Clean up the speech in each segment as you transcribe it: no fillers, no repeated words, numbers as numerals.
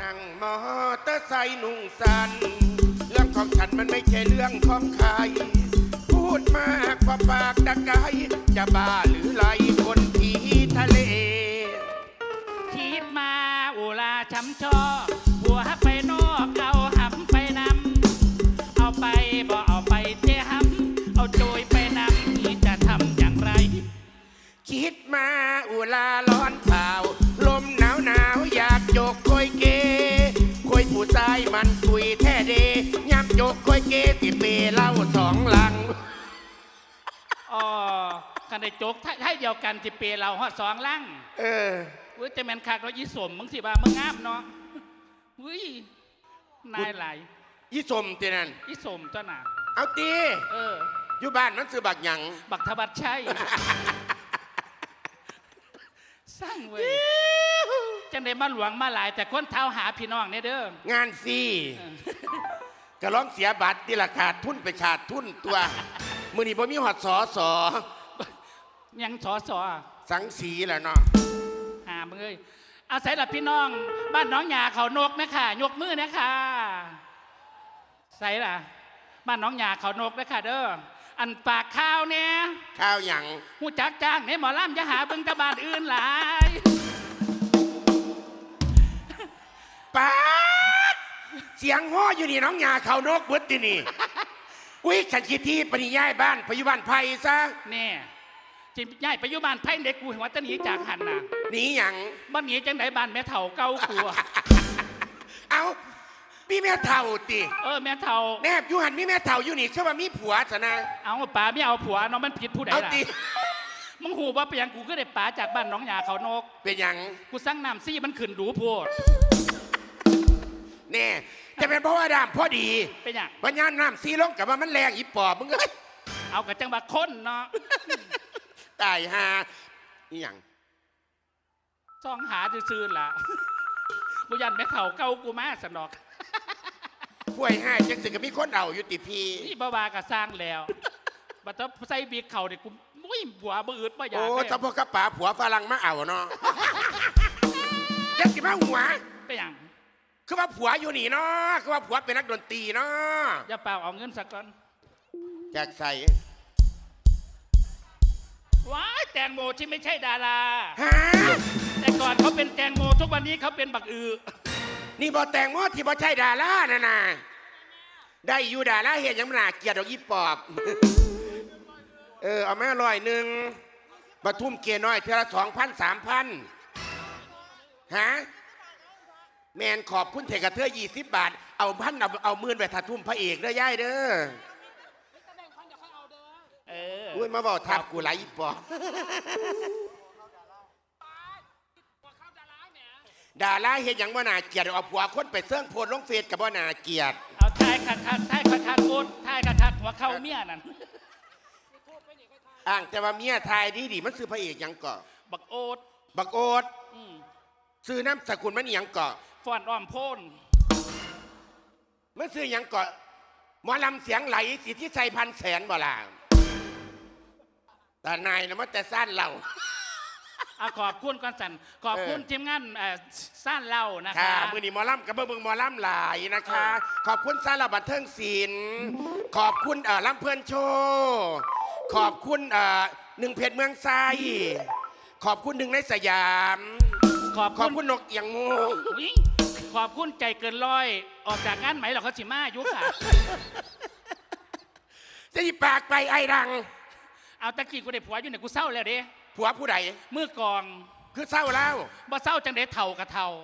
นั่งมอเตอร์ไซค์นุ่งสันเรื่องของฉันมันไม่ใช่เรื่องของใครพูดมากกว่าปากตะไคร้จะบ้าหรือไรคนผีทะเลคิดมาอุลาช้ำชอหัวไปนอกเอาหำไปนำเอาไปบ่เอาไปเจ๊หำเอาโจยไปนำนี่จะทำอย่างไรคิดมาอุลาร้อนเปล่าลมหนาวหนาวอยากโจกคอยเกคอยผู้ชายมันคุยแท้เดยามโจกคอยเกสิเปเล่าสองหลังอ๋อกันได้โจกให้เดียวกันที่เปเราฮอดสองลังอุ้ยแต่แมนคักเรายี่สมมึงสิบ่ามึงงามเนาะอุ้ยนายไหลยี่สมตีนั่นยี่สมเจ้าหน่าเอาตีอยู่บ้านมันซื้อบักหยังบักทบัดชัยสร้างเว้ยจังได้มาหลวงมาหลายแต่คนเท้าหาพี่น้องเนี่ยเด้องานฟรีกระร้องเสียบัตรที่ราคาทุนไปชาติทุนตัวมือนี่บ่มีหอดสอยังสอสังสีแหละเนาะหามึงเอ้ยอาศัยหลับพี่น้องบ้านน้องหยาเขานกนะคะยกมือนะคะใส่ล่ะบ้านน้องหยาเขานกนะคะเด้ออันปากข้าวเนี่ยข้าวหยังหูจักจ้างเนี่ยหมอลำจะหาเบิ่งตะบานอื่นหลายป๊าดเสียงฮ้ออยู่นี่น้องหยาเขานกเบิดที่นี่อุ้ยขันคิดที่ปนิยายบ้านพยุบันไพซะเนี่ยจิย่ายไปยุบานไพ่เด็กกูเห็นว่าจะหนีจากหันน่ะหนีหยังบ้านหนีจังไหนบ้านแม่เฒ่าเก่ากูเอามีแม่เฒ่าติแม่เฒ่าแนบอยู่หันมีแม่เฒ่าอยู่นี่เชื่อว่ามีผัวซะนะเอาป๋าไม่เอาผัวน้องมันผิดผู้ใดล่ะมึงหูว่าไปยังกูก็ได้ป๋าจากบ้านน้องหยาเขานกเป็นยังกูสั่งน้ำซี่มันขึ้นดูโพดแน่จะเป็นเพราะว่าดามพอดีเป็นยังวันยานน้ำซี่ลงกับว่ามันแรงอีปอบมึงเลยเอากับจังหวะคนเนาะตายฮานี่ยังซ่องหาซื่อๆล่ะกูยันแม่เฒ่าเก่ากูมาสนอกป่วยให้จังสิก็มีคนเอาอยู่ติพีนี่บ้าๆก็สร้างแล้วบัดใส่บีเข่าเนี่ยกูมุ้ยผัวบืดบ่อยากโอ้ถ้าพวกกระป๋าผัวฝรั่งมาเอาเนาะยังสิมาหัวไปยังคือว่าผัวอยู่นี่เนาะคือว่าผัวเป็นนักดนตรีเนาะอย่าเปล่าเอาเงินสักก่อนอยากใส่ว้ายแตงโมที่ไม่ใช่ดาราฮะแต่ก่อนเขาเป็นแตงโมทุกวันนี้เขาเป็นบักอือนี่บอแตงโมที่บอใช่ดารานะได้อยู่ดาราเห็นยังหนาเกียรติดอกอีปอบเอาแม่100ปทุมเกียร์น้อยเท่าละ2,000 3,000ฮะแมนขอบคุณเทกระเทย20 บาทเอา1,000เอา10,000ไปถัดทุ่มพระเอกเด้อย่ายเด้ออุ้ยมาบอกทับกูไหลอีปอบดาราเห็นยังว่านาเกียรติเอาผัวคนไปเสื่องโพลลงเฟซกับว่านาเกียรติเอาทายขัดโอนทายขัดหัวเข้าเมียนั่นอ่างแต่ว่าเมียทายดีมันซื้อพระเอกยังเกาะบักโอ๊ตซื้อน้ำสกุลมันยังเกาะฟอนอ้อมโพนมันซื้อยังเกาะหมอลำเสียงไหลสิทธิชัย100,000บ่ล่ะแต่นายนะมันแต่สั้นเราขอบคุณก่อนสันขอบคุณทีมงานสั้นเล่านะคะมือนีหมอลำกับเบิ้งหมอลำหลายนะคะขอบคุณสั้นเราบันเทิงศิลป์ขอบคุณลำเพลินโชว์ขอบคุณ1 เพจเมืองไซขอบคุณ1 ในสยามขอบคุณนกเอียงโมขอบคุณใจเกินร้อยออกจากงานไหมเราเขาสิมายุค่ะจะหยิบปากไปไอ้ดังเอาตะกี้กูได้ผัวอยู่เนี่ยกูเศร้าแล้วเด้ผัวผู้ใดมือกองคือเศร้าแล้วบ่เศร้าจังได้เท่ากับเท่า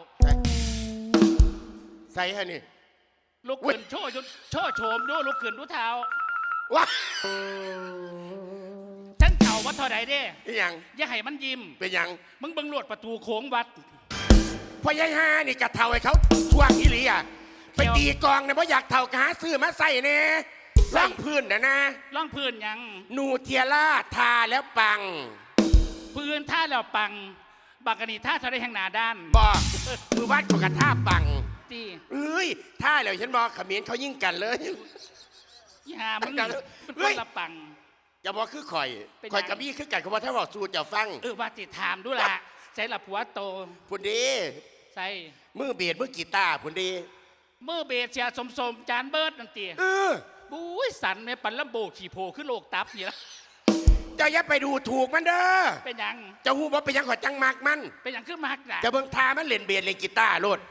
ใส่ฮะนี่ลุกขึ้นโชว์โฉมดูลุกขึ้นดูเท้าว้าฉันเท่าว่าเท่าไหร่เด้ยังอย่าให้มันยิ้มเป็นยังมึงบังหลวดประตูโค้งวัดพอยายฮานี่กะเท่าให้เขาช่วงอีหลีอ่ะไปตีกองเนี่ยเพราะอยากเท่ากะหาซื้อมาใส่เนี่ยล่องพื้นนะล่องพื้นยังนูเทียร่าทาแล้วปังพื้นท่าแล้วปังบักกะนีท่าเท่าไรแห่งหนาด้านบอกมือวัดของกันท่าปังตีท่าแล้วฉันบอกขมิ้นเขายิ่งกันเลยอย่ามึงเป็นละปังอย่าบอกคือข่อยกับมี่คือกันเขาบอกถ้าบอกสูตรจะฟังว่าติดถามดูละใส่ละผัวโตพูดดีใส่มือเบียดมือกีตาร์พุ่นดีมือเบสเสียสมจานเบิร์ดนั่นตีเออบุ้ยสันในปันลำโบขี่โพขึ้นโลกตับนี่ละเจ้าอย่าไปดูถูกมันเด้อเป็นหยังเจ้าฮู้บ่เป็นหยังขอจังมักมันเป็นหยังขึ้นมากนะจะเบิ่งทามันเล่นเบียดเล่นกีตาร์โลด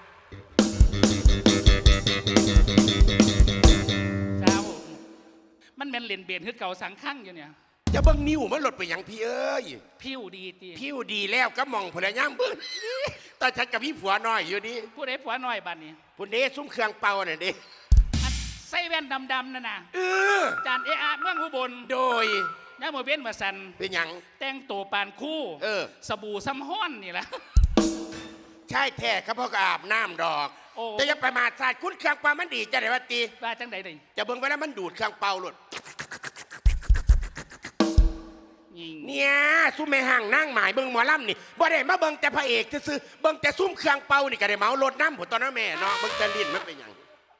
เจ้ามันเป็นเล่นเบสขึ้นเก่าสังข้างอยู่เนี่ยจะเบิ่งนิ้วมันหลดไปหยังพี่เอ้ยผิวดีตีผิวดีแล้วก็มองพุ่นละย่างเบิ่งตอนฉันกับพี่ผัวน้อยอยู่ดิผู้ใดผัวน้อยบ้านนี้พุ่นเด้ซุ้มเครื่องเป่าน่ะเด้อันใส่แว่นดำๆนั่นน่ะเออจานเอะเมืองอุบลโดยย่าโมเว้นมาสันเป็นหยังแต่งตัวปานคู่เออสบู่ซ้ำห้อนนี่แหละใช่แท้ครับพ่อก็อาบน้ำดอกโอ้แต่อย่าประมาทศาสตร์คุณเครื่องเป่ามันดีจะได้ว่าตีว่าจังใดเลยจะเบิ่งไว้แล้วมันดูดเครื่องเป่าหลดยิงเนี่ยซุ้มแม่ห่างนั่งหมายเบิ่งหมอลำนี่บ่ได้มาเบิ่งแต่พระเอกซื่อๆเบิ่งแต่ซุ้มเครื่องเป่านี่ก็ได้เมารถน้ำผมตอนนั้นแม่เนาะเบิ่งแต่ลิ้นมันเป็นหยัง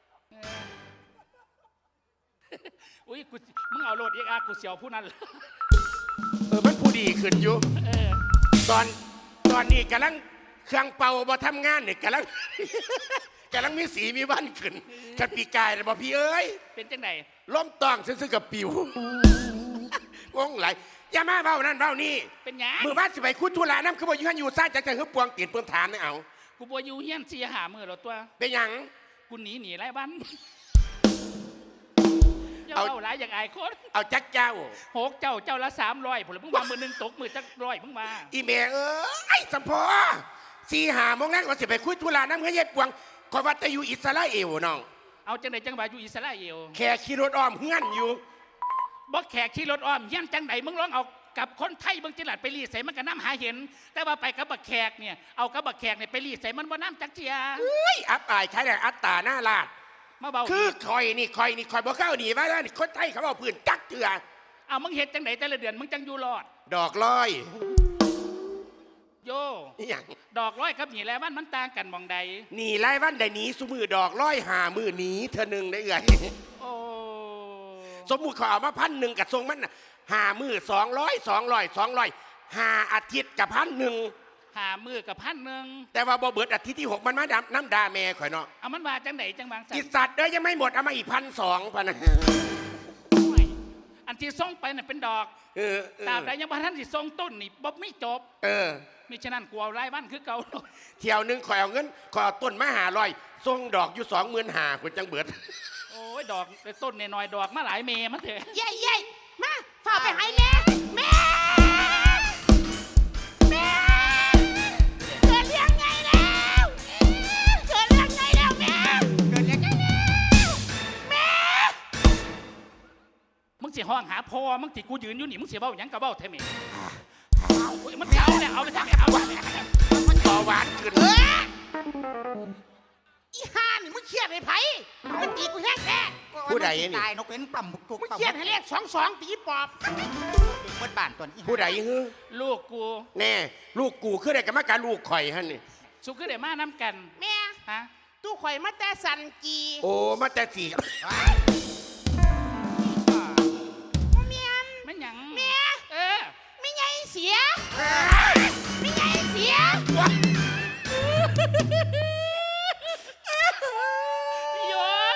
อุ้ยกูมึงเอาโหลดเอกอากูเสียวผู้นั้นเลยมันผู้ดีขึ้นอยู่เออตอนนี้กำลังเครื่องเป่าบ่ทำงานเนี่ยกำลัง กำลังมีสีมีวันขึ้นกันปีกายเลยบ่พี่เอ้ยเป็นจังใดล้มต้องซื่อๆกับปิว งงไหลายอย่ามาเบ้านั่นเบ้านี่เป็นหยังมือบ้านสิไปคุดทุลาน้ำคือบ่อยู่หันอยู่ซ่าจังๆคือปวงตีนเพิ่มถามไม่เอากูบัวอยู่เฮียนเสียหามือเราตัวเป็นหยังกูหนีไรบ้านเจ้าเอาหลายอย่างอายคนเอาจักเจ้าหกเจ้าละ300ผลมึงมามือหนึ่งตกมือจัก100มึงมาอีเมเอ้ยสัมพอ4-5 โมงนั้นก็สิไปคุยธุระน้ำเงี้ยปวงขอยว่าแต่อยู่อิสราเอลน้องเอาจังใดจังหวะอยู่อิสราเอลแค่ขี่รถอ้อมเฮือนอยู่บ่แขกขี่รถอ้อมเฮียนจังใดมึงร้องเอากับคนไทยเบิ่งจิหลัดไปรีดใส่มันก็น้ำหาเห็น แต่ว่าไปกับบักแขกเนี่ยเอากับบักแขกเนี่ยไปรีดใส่มันว่าน้ำจักเจียเอ้ยอับอายใช้แต่อัตตาหน้าลาดมาเบาคือคอยบ่เข้าหนีว่านี่คนไทยเขาเอาพื้นจักเถื่อเอามึงเห็ดจังใดแต่ละเดือนมึงจังอยู่รอดดอกลอยโยนี่หยังดอกร้อยกับหนีแล้วมันต่างกันมองใดหนีไล่วันใดหนีสุมือดอกลอยหามือหนีเธอหนึ่งได้เอ่ยโอ้สมมุติเขาเอามา1,000กับทรงมันน่ะหามือ200 5 อาทิตย์กับ1,000 หามือกับ1,000 แต่ว่าบ่เบิดอาทิตย์ที่ 6มันมาน้ำดาแม่ข่อยเนาะเอามันว่าจังไหนจังบางสักิสัตว์เด้ยยังไม่หมดเอามาอีก1,200พันนะอันที่ส่งไปน่ะเป็นดอกเออตราบใดยังบ่ทันสิส่งต้นนี่บ่ไม่จบเออมิฉะนั้นกูเอารายวันคือเก่าเที่ยวหนึงข่อยเอาเงินข่อยเอาต้นมา500ส่งดอกอยู่25,000คุณจังเบิดโอ้ยดอกต้นน้อยๆดอกมาหลายเมมันเถอะเย่เย่มาฝ่าไปให้แม่แม่แม่เกิดเรื่องไงแล้วเกิดเรื่องไงแล้วแม่เกิดเรื่องไงแล้วแม่มึงสิห้องหาพ่อมึงสิกูยืนอยู่นี่มึงสิเว้าหยังก็เว้าแท้แม่โอ้ยมันสิเอาเนี่ยเอาเลยจักเอาเนี่ยมันต่อหวานขึ้นอีห่านี่มึงเครียดไอ้ไผ่มึงตีกูแท้แท้ผู้ใดนี่ตายนกเป็นต่ำบุกจุกมึงต่ำเครียดให้เลข22ตีปอบเมื่อบ้านตัวนี้ผู้ใดฮือลูกกูแน่ลูกกูคือได้กรรมการลูกข่อยฮะนี่สุขคือได้มาน้ำกันแม่ฮะตู้ข่อยมาแต่สันจีโอ้มาแต่สี่เมียนมันหยังแม่เออไม่ไงเสียไม่ไงเสียโย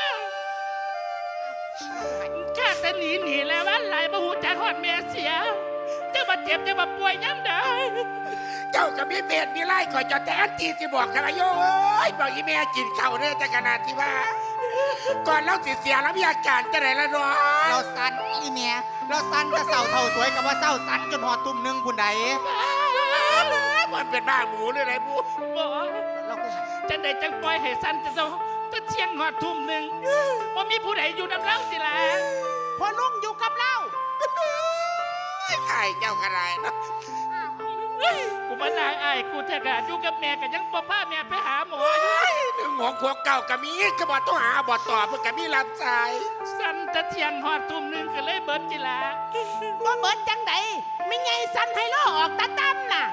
แค่แต่หนีแล้ววันไหลมาหูจักฮอดแม่เสียจะมาเจ็บจะมาป่วยย้ำได้เจ้ากับมีเบ็ดมีไล่ข่อยจะแต่อันตีสิบอกกันละโยเอ้ยบอกอีแม่กินข้าวเนี่ยแต่ขนาดที่ว่า ก่อนเราสิเสียแล้วมีอาการจะไหนละเนาะเราสันอีเมียเราสันจะเศร้าเท่าสวยกับว่าเศร้าสันจนหอดตุ่มหนึงคุณใดมันเป็นบ้าหมูหรืออะไรบูบอกเราก็จังใดจังปล่อยให้สั้นจะเที่ยงหอดทุ่มหนึ่งว่ามีผู้ใดอยู่น้ำเล่าสิล่ะพอลุงอยู่กับเราไอ้เจ้ากระไรเนาะกูมานายไอ้ายกูแท้กะอยู่กับแม่กันยังป้าแม่ไปหาหมออยู่ถึงหัวขวเก่ากับมีกระบอกต้องหาบอต่อเพื่อกับมีรับสายสั้นจะเที่ยงหอดทุ่มหนึ่งก็เลยเบิดจิล่ะบ่เบิดจังใดไม่ไงสันไฮโลออกตาตั้มน่ะ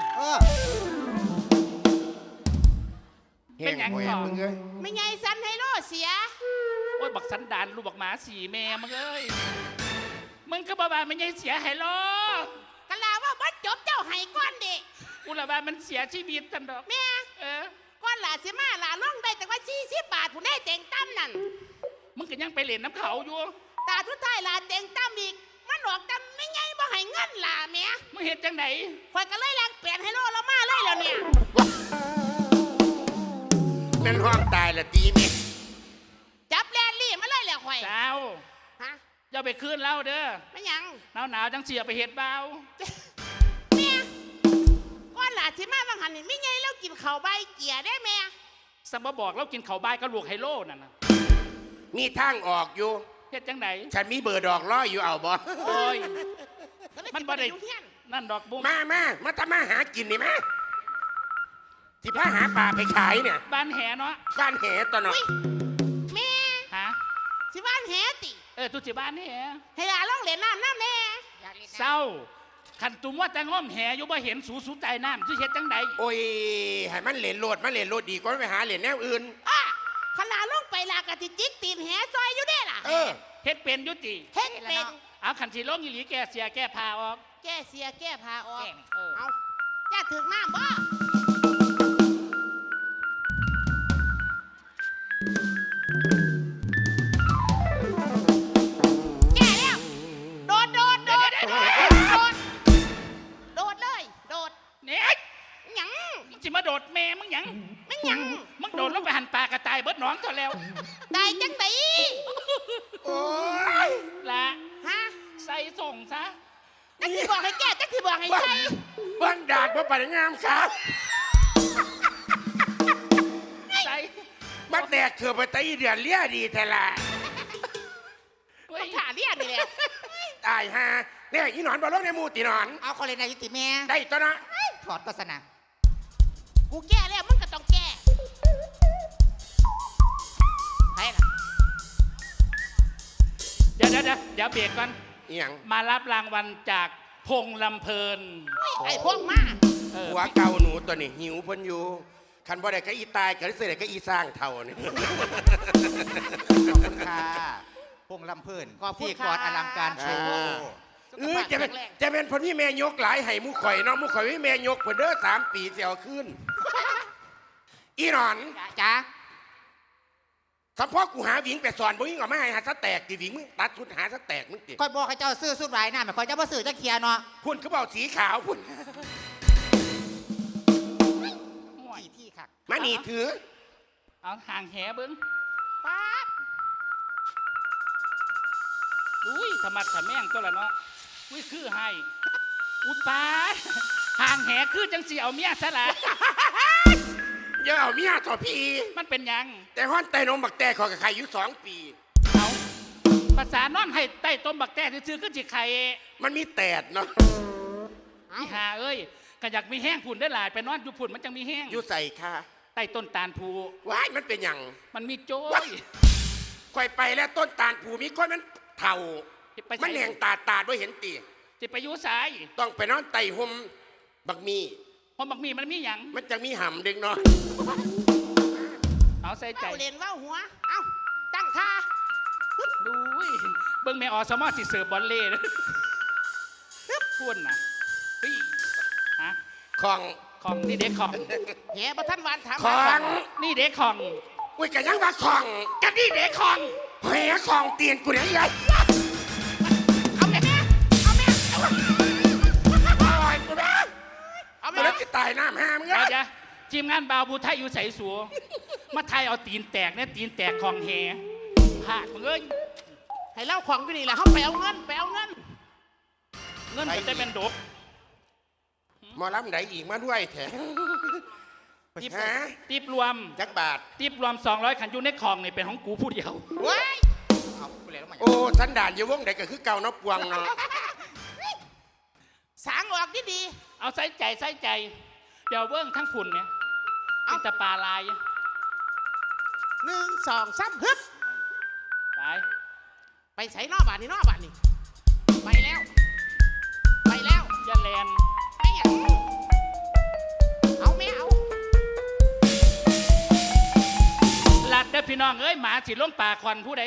เป็นหยังก่อนมึงเอ้ยไม่ไงสันไฮโลเสียโอ้ยบักสันดานลูกบักหมาสี่แม่มึงเอ้ยมึงก็บอกว่ามันยังเสียหายล้อกะลาว่าบ่จบเจ้าไห้ก้อนเด็กกูละว่ามันเสียชีวิตทันดอกแม่เออก้อนอนหลาสิมาหลาล่องได้แต่ว่า40 บาทผู้ได้เต็งตั้มนั่นมึงก็ยังไปเล่นน้ำเขาอยู่ตาทุดท้ายหลาเต็งตั้มอีกมันออกตั้มไม่ไงบ่ให้เงินหลาแม่มึงเห็นจังไหนข่อยก็เลยแลกเปลี่ยนให้โลเรามาเลยแล้วเนี่ยเป็นห้องตายละตีเมียจับแลนลี่มาเลยแล้วข่อยสาวฮะอย่าไปคืนเล่าเด้อไม่หยังหนาวจังเสียไปเห็ดเบาแม่ก้อนหลาสิมาบางหันนี่ไม่ไงแล้วกินข้าวใบเกียได้แม่สัมบบอกเรากินเขาวบายก็ลวกไฮโลนั่นนะมีทางออกอยู่เฮ็ดจังไหนฉันมีเบอร์ดอกล้ออยู่เอาบ่โอ้ยก็เลยมันบ่ได้สิปอยู่เฮียนนั่นดอกบุ้งมาทำมาหากินนี่มาที่พาหาปลาไปขายเนี่ยบ้านแหเนาะบ้านแหตัวเนาะอุ้ยแม่ฮะสิบ้านแหติตุจิบ้านนี่แหให้หลาล่องเล่นน้ำน้ำแน่เศร้าขันตุมว่าจังง้อมแหอยู่บ่เห็นสูใจน้ำที่เฮ็ดจังไหนโอ้ยให้มันเหรียญโลดมันเหรียญโลดดีกว่าไปหาเหรียญแนวอื่นอ่ะขลาล่องไปลากะติจิกตีนแหซอยอยู่เด้ล่ะเออเฮ็ดเป็นอยุติเฮ็ดเป็นเอาขันสีลงอีหลีแกเสียแก้พาออกแก้เสียแก้พาออกเออเอาจะถึงน้ำบ่แก้แล้วโดดโดดโดดโดดโดดเลยโดดเนี่ยหยังมึงสิมาโดดแม่มึงหยังไม่หยังมึงโดดลงไปหันปลากระต่ายเบิดหนองเท่าแล้วตายจังไดโอ้ยละฮะใส่ส่งซะจักที่บอกให้แก้จักที่บอกให้ใส่บ้านดาดบ่ปัดงามครับใส่บ้านแตกเถื่อไปตีเดือนเลี้ยดีแต่ละเว้ยต้องถ่าเรียกนี่แหละตายฮะเนี่ยอีหนอนบอลลงในหมูตีหนอนเอาคนเลยนายยุติแม่ได้ตัวนะถอดก็สนะกูแก้แล้วมึงก็ต้องแก้ให้ล่ะเดี๋ยวเบรกก่อนอีหยังมารับรางวัลจากพงลำเพลินไอ้พวกมาเออหัวเก่าหนูตัวนี้หิวเพ้นอยู่คันบ่ได้ก็อีตายก็ได้เสียก็อีสร้างเท่านี่ขอบคุณค่ะพงลำเพิ่นที่กอดอลังการโชว์จะเป็นพนที่แม่ยกหลายให้หมูข่อยเนาะหมูข่อยให้แม่ยกเพิ่นเด้อ3 ปีเสียวขึ้น อีหนอนจ้าสัมพ่อกูหาหวิงไปสอนบ่ยิงออกมาให้หาสแตกติหวิงมึงตัดชุดหาสแตกมึงติคอยบอกให้เจ้าซื้อสุดไรน่ะไม่คอยเจ้าบ่ซื้อจะเคลียร์เนาะพุ่นเขาบอกสีขาวพุ่นห่วยที่ค่ะมานี่ถือเอาห่างแหเบิ้งป๊าบอุ้ยธรรมะขะแม่งตัวละเนาะอุ้ยคือให้อุยปาดห่างแหคือจังสีเอาเมียซะละอย่าเอาเมียต่อพี่มันเป็นหยังแต่ฮ้อนไตนมบักแต่ขอกับใครอยู่2 ปีเอาภาษานอนให้ใต้ต้มบักแต้ซื้อๆขึ้นจิไข่มันมีแตดเนาะอีหาเอ้ยก็อยากมีแห้งผุ่นได้หลายไปนอนอยู่ผุ่นมันจังมีแห้งอยู่ใส่ค่ะใต้ต้นตาลภูว้ายมันเป็นหยังมันมีโจ้ยค่อยไปแล้วต้นตาลผูมีคนมันเถ่าไปมันแหงตาบ่เห็นตีจะไปอยุสายต้องไปนอนไต่ห่มบักมีเพราะบักมีมันมีหยังมันจะมีห่ำดึงเนาะเอาใส่ใจเว้าเล่นเว่าหัว เอ้าตั้งท่าดูยเบิ่งแม่อสมอสิเสิร์ฟบอลเล่เลยพุ่นน่ะเฮ้ยฮะของของนี่เด็กของแหบ่ทันหวานถามของนี่เด็กของอุ้ยกันยังว่าของกันนี่เด็กของแหของเตียนกูเนี่ยยัยเอาแม่เอาแม่โอ้ยกูนะเอากูแม่แล้วจะตายน้ำห้ามเดี๋ยวเงี้ยทีมงานบาวบูไทยอยู่ใส่สัวมาไทยเอาตีนแตกเนี่ยตีนแตกของแหผากมึงเอ้ยให้เล่าของอยู่นี่แหละเขาไปเอาเงินไปเอาเงินเงินก็จะเป็นดกหมอลำไหนอีกมาด้วยแถมติบฮะติบรวมจักบาทติบรวม200ขันอยูในของนี่เป็นของกูผู้เดียวเว้ยเอาไปเลยแล้วมาโอ้สันดานอยู่วงไหนก็คือเก่าเนาะปวงเนาะสางออกดีเอาใส่ใจ เดี๋ยวเบิ้งทั้งฝุ่นเนี่ยเอาแต่ปลาลายๆ1 2 3ฮึบไปไปใส่นอกบ้านนี่นอกบ้านนี่ไปแล้ว ไปแล้วอย่าแลนไม่อยากเอาแม่เอาลัดเด้อพี่น้องเอ้ยหมาสิลงป่าควันผู้ใด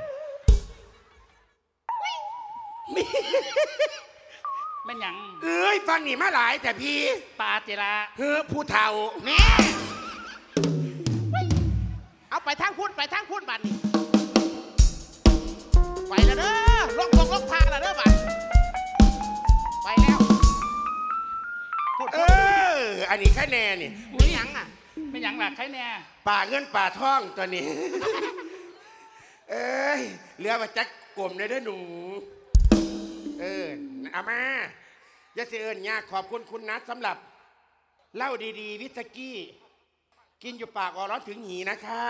แม่นหยังเอ้ยฟังนี่มาหลายแต่พี่ปลาเจระเฮ้อผู้เฒ่าแม่เอาไปทางพุ่นบัดนี้ไปแล้วเด้อลงทางแล้วเด้อบัดไปแล้วพูดอันนี้แค่แน่นี่ไม่หยังอ่ะไม่หยังหลักใครแน่ป่าเงินป่าทองตัวนี้ เอ้ยเรือมาจักกลมเลยเด้อหนูเอามาอย่าเสียเอิญยากขอบคุณคุณนัทสำหรับเหล้าดีๆ วิสกี้ กินอยู่ปากออร้อนถึงหีนะคะ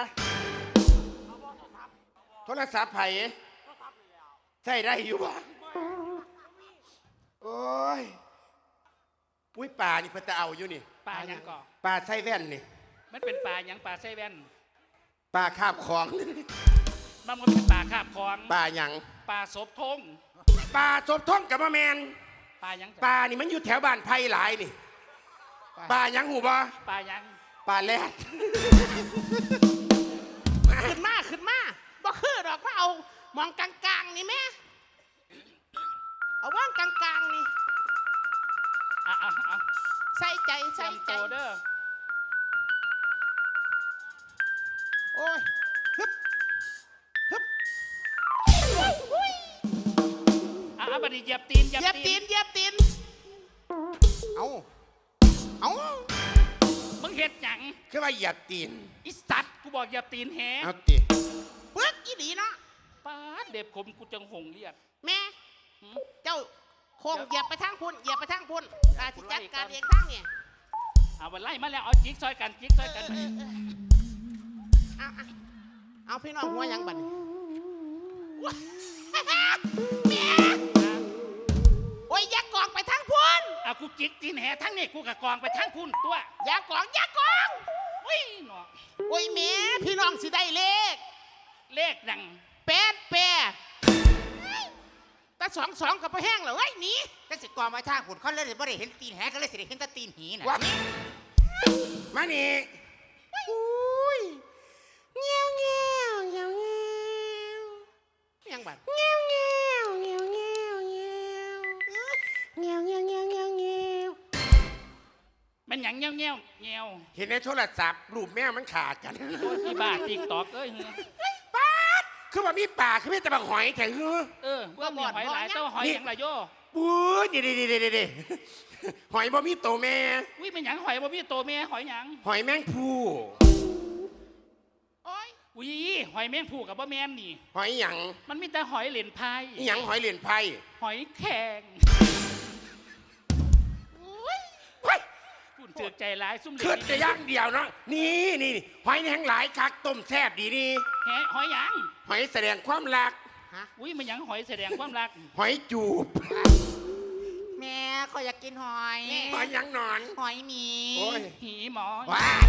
โทรศัพท์ไผ่ใช่ได้อยู่บ้างโอ้ยปุ้ยป่านี่เพิ่นจะเอาอยู่นี่ปลาหยังก่อป่าไส้แว่นนี่มันเป็นปลาหยังปลาไส้แว่นป่าคาบของมันก็เป็นปลาคาบของป่าหยังปลาศพทงป่าศพท่องกับมะแมนปลาหยังจ้ะป่านี่มันอยู่แถวบ้านไผ่หลายนี่ป่าหยังหูบ่ปลาหยังป่าแรดขึ้นมาบ่คือดอกว่าเอามองกลางๆนี่แม่เอาว่างกลางๆนี่เอาใส่ใจเตรียมตัวเด้อโอ้ยฮึบอุ้ยบัดนี้เหยียบตีนเหยียบตีนเอามึงเฮ็ดหยังคือว่าเหยียบตีนอีสัตว์กูบอกเหยียบตีนแฮเอาติเปิดอีดีเนาะป้าดเด็บขมกูจังหงเรียกแม่หืมเจ้าโคงเหยียบไปทางพุ่นอาสิจัดการไล่ก่อนเองทางเนี่ยเอาวันไล่มาแล้วเอาจิกซอยกันเอาพี่น้องหัวยังบัดนี้แม่โอ้ยอย่ากองไปทางพุ่นเอากูจิกตีนแฮทั้งนี้กูกะกองไปทั้งพุ่นตัวอย่ากองอุ้ยหนอโอ้ยแม่พี่น้องสิได้เลขเลขดังแปดแต่สองกับไปแห้งแล้วเฮ้ยหนีแต่สิกรมาทางขุนเขาเลยบ่ได้เห็นตีนแหก็เลยสิได้เห็นแต่ตีนหีน่ะวัดมานี่อุ้ยเงี้ยวยังบัดเงี้ยวมันหยังเงี้ยวเห็นในโทรศัพท์รูปแม่มันขาดกันโอ้ยอีบ้าติ๊กตอกเอ้ยเฮ้ยป๊าดคือว่ามีป่าคือมีแต่บางหอยแข็งคือว่ามีหอยหลายแต่ว่าหอยหยังละโยปุ้ยนี่หอยบ่มีโตแม่อุ้ยมันหยังหอยบ่มีโตแม่หอยหยังหอยแมงภูโอ้ยอุ้ยหอยแมงผู้กับบ่แม่นนี่หอยหยังมันมีแต่หอยเหรียญพายหยังหอยเหรียญไพ่หอยแข็งเฮ้ยฝุ่นเจือกใจร้ายซุ่มเหรีขึ้ยนญจะย่างเดียวเนาะนี่หอยแห้งหลายคักต้มแซ่บดีนี่หอยหยังหอยแสดงความรักอุ้ยมันหยังหอยแสดงความรักหอยจูบแม่ก็อยากกินหอยหอยหยังหนอนหอยหมีโอ้ยหีหมอว้าย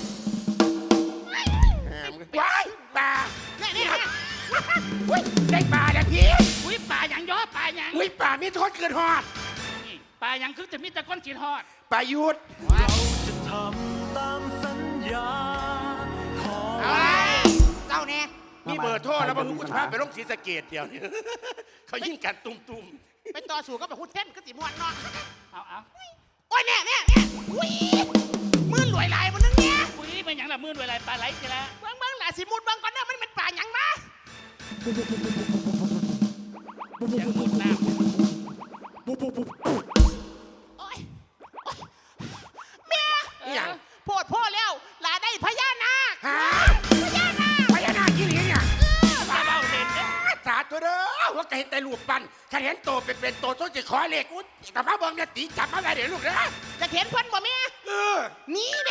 ว้ายปลานี่อุ้ยได้ปลาแล้วพี่อุ้ยปลาหยังย่อปลาหยังอุ้ยปลามีโทษเกินหอดนี่ปลาหยังคือจะมีแต่ก้อนขีดทอดปลายุดทำตามสัญญาของเจ้าเนี่ยมีเบอร์โทรแล้วบางคุณพาไปลงศรีสะเกดเดียวนี้ เขายิ่งกันตุ่มไปต่อสู่ก็ไปหุ้นเท่นก็สิม่วนเนาะเอาโอ้ยเนี่ยอุ้ยมือรวยหลายบนนึงเนี่ยอุ้ยมันหยังละมื่นเวลาปลาไหลสิละเบิ่งหล่ะสิมุดเบิ่งก่อนเด้อมันเป็นป่าหยังมาหยังมุดน้โอ้ยแม่ำนี่หยังโพดแล้วหลาได้พญานาคฮะพญานาคพญานาคยี่หลีเนี่ยปลาเบ้าเด่นเด้อสาธุเด้อว่าก็เห็นแต่ลูกปั้นถ้าเห็นโตเป็นโตต้นจะขอเลขอุ้ยกลับมาเบิ่งเนี่ยตีจับมาได้เดี๋ยวลูกเด้อจะเห็นเพิ่นบ่แม่เออนี่เด้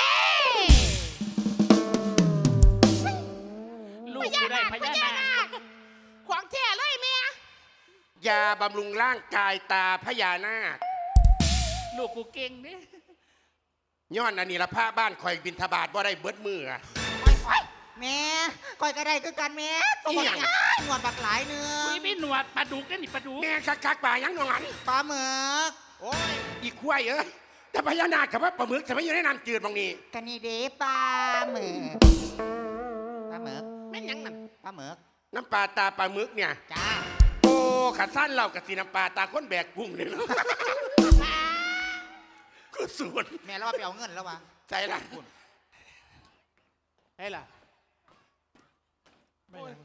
ลูกกูได้พญานาคของแท้เลยแม่ยาบำรุงร่างกายตาพญานาคลูกกูเก่งเด้ย้อนอันนี้ละพระบ้านคอยบินทบาทว่าได้เบิดมืออะแม่ก้อยก็ได้คือกันแม่ตัวบักหลายหนวดบักหลายเนื้ออุ้ยมีหนวดปลาดุกเด้อนี่ปลาดุกแม่คักป่ายังหนอนปลาหมึกโอ้ยอีกควายแต่พญานาคกับว่าปลาหมึกจะไม่อยู่ในน้ำจืดบางนี้กันนี่เด้ปลาหมึกปลาหมึกแม่นหยังนั่นปลาหมึกน้ำปลาตาปลาหมึกเนี่ยจ้าโอ้ขัดสั้นเรากับสีน้ำปลาตาค้นแบกกุ้งเลยเนาะ ก็สวนแม่เราว่าไปเอาเงินแล้ววะใจละเฮ้ยล่ะ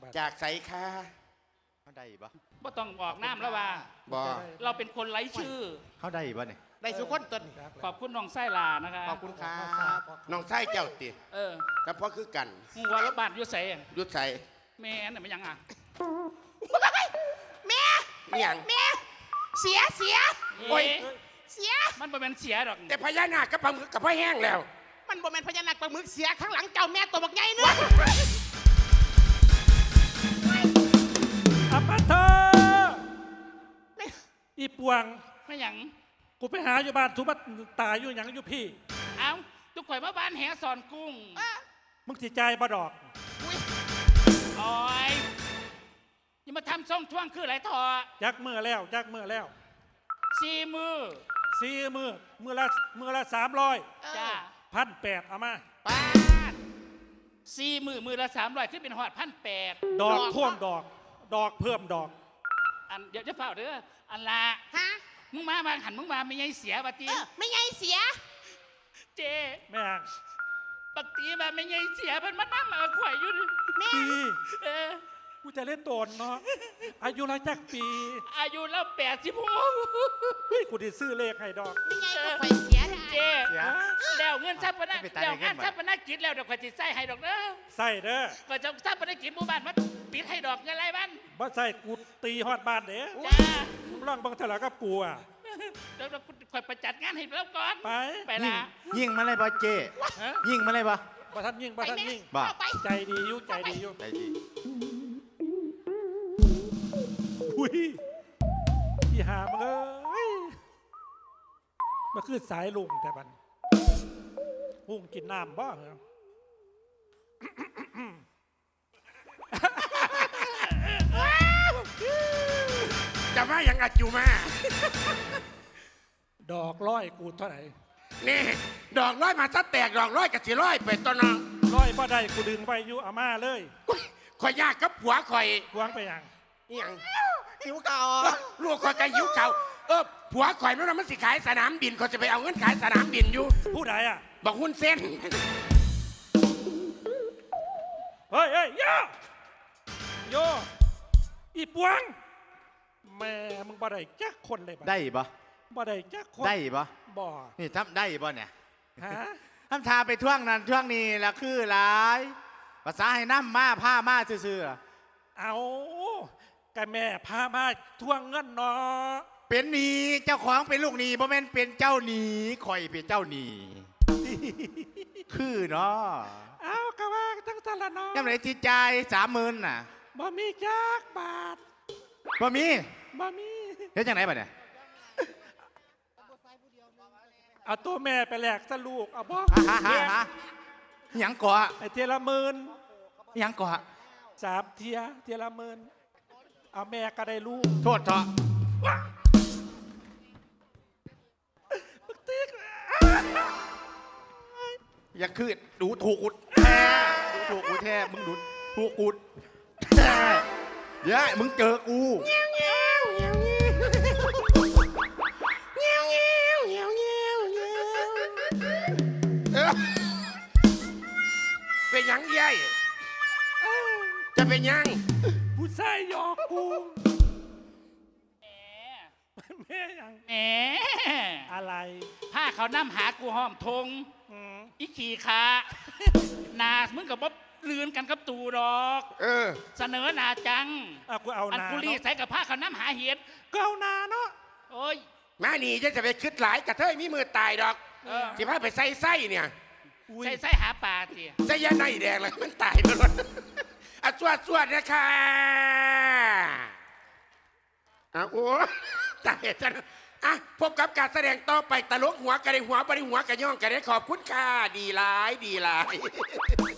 จากใสค่ะเขาได้ปะบ่ต้องออกน้ำแล้วว่าบอเราเป็นคนไร้ชื่อเขาได้ปะเนี่ยได้สุคนต้นขอบคุณน้องไส้ลานะคะขอบคุณครับน้องไส้เจ้าติเออแต่พอคือกันมึงว่ารถบ้านอยู่ไสอะยุดใสแม่นน่ะมันยังอ่ะแม่นี่ยังแม่เสียโอ้ยเสียมันบ่เป็นเสียดอกแต่พญานาคกับปลาหมึกกับพ่อแห้งแล้วมันบ่แม่นพญานาคปลาหมึกเสียข้างหลังเจ้าแม่ตัวบักใหญ่เนื้ออัปปะเธออีปวงไม่หยังกูไปหาอยู่บ้านทุบัดตายอยู่หยังอยู่พี่เอ้าทุกข่อยมาบ้านแหสอนกุ้งมึงสิใจายบ่ดอกโอ้ยอย่ามาทำซ่องท่วงคืออะไรทอยักมือแล้วยักมือแล้ว 4 มือมือละ300 จ้า 1,800เอามาป้าด4 มือละ300ขึ้นเป็นหอด1,800 ดอกท่วมดอก ดอกเพิ่มดอกอันเดี๋ยวจะเฝ้าเด้ออันละฮะมึงมาหันมึงมาไม่ไงเสียบัตีไม่ใหญ่เสียเจแม่งบักตีมาไม่ไงเสียมันมานั่งมาข่อยอยู่ดิแม่ปีเออกูจะเล่นโดนเนาะอายุละจักปีอายุแล้ว86 เฮ้ยกูได้ซื้อเลขให้ดอกไม่ใหญ่ก็ข่อยเสียนะเจเสียแล้วเงินทรัพย์ปนะไม่ไปตายแล้วในเงิงานนทรัพย์ปนะกิจแล้วเดี๋ยวข่อยจะใส่ให้ดอกเด้อใส่เด้อก็จะทรัพย์ปนะกิจหมู่บ้านมาปิดให้ดอกเงินไรบ้านบ่ใส่กูตีฮอดบ้านเด้จ้ามึงลองเบังเถอะกับกูอ่ะเดี๋ยวข่อยไปจัดงานให้แล้วก่อนไปไปละยิงมาเลยปะเจฮะยิงมาเลยปะบ่ทันยิ่งบ่ทันยิ่งบ้าเอาไปใจดีอยู่ใจดีอยู่ได้ดีอุ้ยพี่หามึงเอ้ยมาคือสายลุงแต่บันลุงกินน้ำบ้างเหรอจะมาอย่างอัดอยู่มาดอกร้อยกูเท่าไหร่นี่ดอกร้อยมาซะแตกดอกร้อยกับสีร้อยไปตัวน้องร้อยบ่ได้กูดึงไว้อยู่อาม่าเลยข่อยยากกับผัวข่อยกวางไปยังอหย่างหิวเก่าลูกข่อยกันหิวเขาผัวข่อยนั่นนะมันสิขายสนามบินเขาจะไปเอาเงินขายสนามบินอยู่ผู้ใดอ่ะบอกหุ้นเส้นเฮ้ยเฮ้ยโยโยอีปวงแม่มึงบ่ได้จักคนเลยบัได้ปะบ่ได้จักคนได้ปะบ่นี่ทำได้ปะเนี่ยฮะทำทาไปท่วงนั้นท่วงนี้ละคือหลายภาษาให้น้ำมาผ้ามาซื่อๆเอากะแม่พามาทวงเงินเนาะเป็นหนี้เจ้าของเป็นลูกหนี้บ่แม่นเป็นเจ้าหนี้ข่อยเป็นเจ้าหนี้ คือเนาะเอากะว่าทั้งสารเนาะยังไงจิตใจ30,000น่ะบ่มีจักบาทบ่มีบ่มีเฮ็ดจังไหนบัดเนี่ยเอาตัวแม่ไปแลกซะลูกเอาบ่ฮะหยังก่อไอ้เทียละหมื่นหยังก่อ 3เทียละหมื่นเอาแม่ก็ได้ลูกโทษเถอะอย่าคือดูถูกกูแท้ดูถูกกูแท้มึงดูถูกกูแท้เดี๋ยวมึงเจอกูเป็นหยังเยัยจะเป็นหยังผู้ชายหยอกกูแหมแม่ยังแหมอะไรผ้าเขาน้ำหากูห้อมทงอืมอีขี่ขานามึงกับบ๊อบลืนกันกับตูดอก เสนอหนาจังเอากูเอาอันนากุลีเนาะใส่กับผ้าเขาน้ำหาเห็ดก็เอานาเนาะโอ้ยมานี่จะไปคิดหลายกระเทยมีมือตายดอกเออสิพาไปใส่ไส้เนี่ยอุ้ยใส่หาปลาสิใส่ยาในแดงเลยมันตายไปหมดอ่ะสวดนะคะอ่ะโอ้ตายจังอ่ะพบกับการแสดงต่อไปตลกหัวกระไดหัวบริหัวกระย่องกระไดขอบคุณค่ะดีหลาย